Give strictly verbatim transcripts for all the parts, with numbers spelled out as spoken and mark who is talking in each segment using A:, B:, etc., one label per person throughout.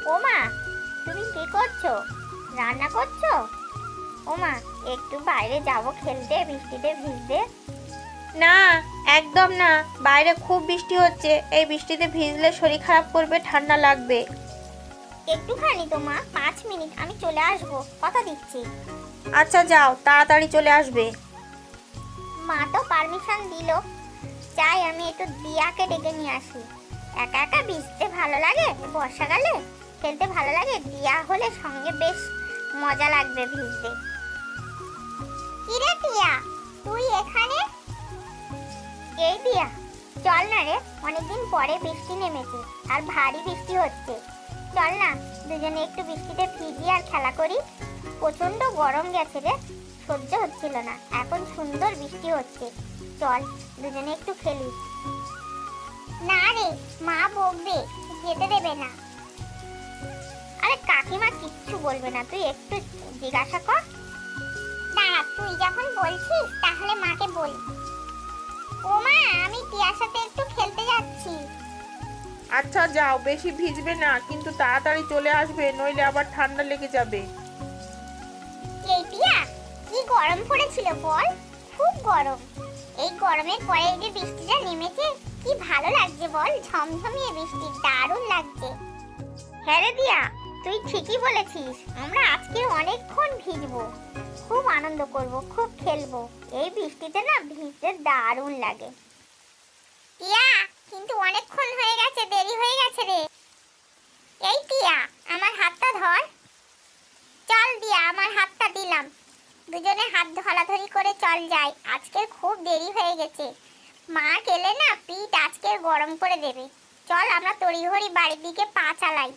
A: ওমা, তুমি কি করছো? রান্না করছো? ওমা, একটু বাইরে যাবো খেলতে, বৃষ্টিতে ভিজতে।
B: না, একদম না। বাইরে খুব বৃষ্টি হচ্ছে, এই বৃষ্টিতে ভিজলে শরীর খারাপ করবে, ঠান্ডা লাগবে।
A: একটুখানি তো মা, পাঁচ মিনিট, আমি চলে আসবো, কথা দিচ্ছি।
B: আচ্ছা যাও, তাড়াতাড়ি চলে আসবে।
A: মা তো পারমিশন দিল, চাই আমি একটু দিয়াকে ডেকে নিয়ে আসি। একা একা ভিজতে ভালো লাগে, বর্ষাকালে খেলতে ভালো লাগে, দিয়া হলে সঙ্গে বেশ মজা লাগবে ভিজতে। কিরে টিয়া, তুই এখানে? এই দিয়া, চল না রে, অনেকদিন পরে বৃষ্টি নেমেছে আর ভারী বৃষ্টি হচ্ছে। চল না, দুজনে একটু বৃষ্টিতে ভিজি আর খেলা করি। প্রচন্ড গরম গেছে রে, সহ্য হচ্ছিল না, এখন সুন্দর বৃষ্টি হচ্ছে। চল দুজনে একটু খেলি। না রে, মা বকবে, যেতে দেবে না। আরে কাকিমা কিচ্ছু বলবে না, তুই একটু জিজ্ঞাসা কর। দাঁড়া, তুই যখন বলছিস তাহলে মাকে বল। ও মা, আমি টিয়ার সাথে একটু খেলতে যাচ্ছি।
B: আচ্ছা যাও, বেশি ভিজবে না, কিন্তু তাড়াতাড়ি চলে আসবে, নইলে আবার ঠান্ডা লেগে যাবে।
A: এই টিয়া, কি গরম পড়েছিল বল, খুব গরম। এই গরমের পরে এই যে বৃষ্টিটা নেমেছে, কি ভালো লাগছে বল, ঝমঝমিয়ে বৃষ্টি, দারুণ লাগছে। হ্যাঁ রে দিয়া, তুই ঠিকই বলেছিস, আমরা আজকে অনেকক্ষণ ভিজবো, খুব আনন্দ করব, খুব খেলবো। এই বৃষ্টিতে না ভিজতে দারুণ লাগে। টিয়া, কিন্তু অনেকক্ষণ হয়ে গেছে, দেরি হয়ে গেছে রে। এই টিয়া, আমার হাতটা ধর। চল দিয়া, আমার হাতটা দিলাম, দুজনে হাত ধরাধরি করে চল যাই, আজকের খুব দেরি হয়ে গেছে। মা গেলে না পিঠ আজকের গরম করে দেবে। চল আমরা তড়িঘড়ি বাড়ির দিকে পা চালাই।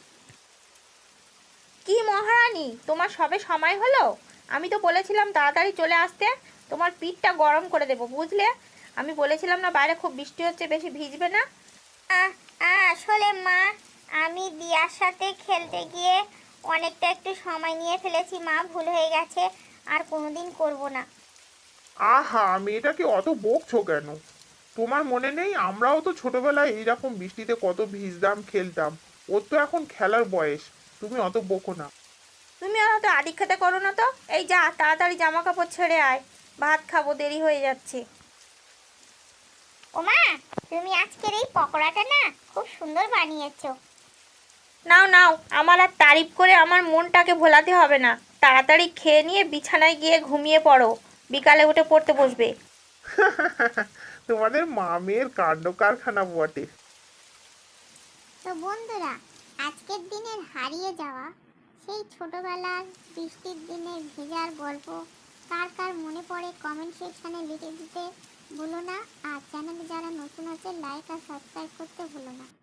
B: কি মহারানী, তোমার সবে সময় হলো? আমি তো বলেছিলাম তাড়াতাড়ি চলে আসতে, তোমার পিঠটা গরম করে দেবো, বুঝলে? আমি বলেছিলাম না বাইরে খুব বৃষ্টি হচ্ছে, বেশি ভিজবে না।
A: আহ আসলে মা, আমি দিয়ার সাথে খেলতে গিয়ে অনেকটা একটু সময় নিয়ে ফেলেছি মা, ভুল হয়ে গেছে, আর কোনোদিন করব না।
C: আহা, মেয়েটাকে অত বকছো কেন? তোমার মনে নেই আমরাও তো ছোটবেলায় এইরকম বৃষ্টিতে কত ভিজতাম, খেলতাম। ওর তো এখন খেলার বয়স, তুমি অত বকো না।
B: তুমি আর অত আদিক খেতে করো না তো। এই যা, তাড়াতাড়ি জামা কাপড় ছেড়ে আয়, ভাত খাবো, দেরি হয়ে যাচ্ছে।
A: ওমা, তুমি আজকের এই পকোড়াটা না খুব সুন্দর বানিয়েছো।
B: নাও নাও, আমার আর তারিফ করে আমার মনটাকে ভোলাতে হবে না। তাড়াতাড়ি খেয়ে নিয়ে বিছানায় গিয়ে ঘুমিয়ে পড়ো, বিকালে উঠে পড়তে বসবে।
C: তোমাদের মা মেয়ের কাণ্ড কারখানা বটে।
A: তো বন্ধুরা, আজকের দিনের হারিয়ে যাওয়া সেই ছোটবেলার বৃষ্টির দিনে ভেজার গল্প কার কার মনে পড়ে কমেন্ট সেকশনে লিখে দিতে ভুলো না। আর চ্যানেলে যারা নতুন আছে লাইক আর সাবস্ক্রাইব করতে ভুলো না।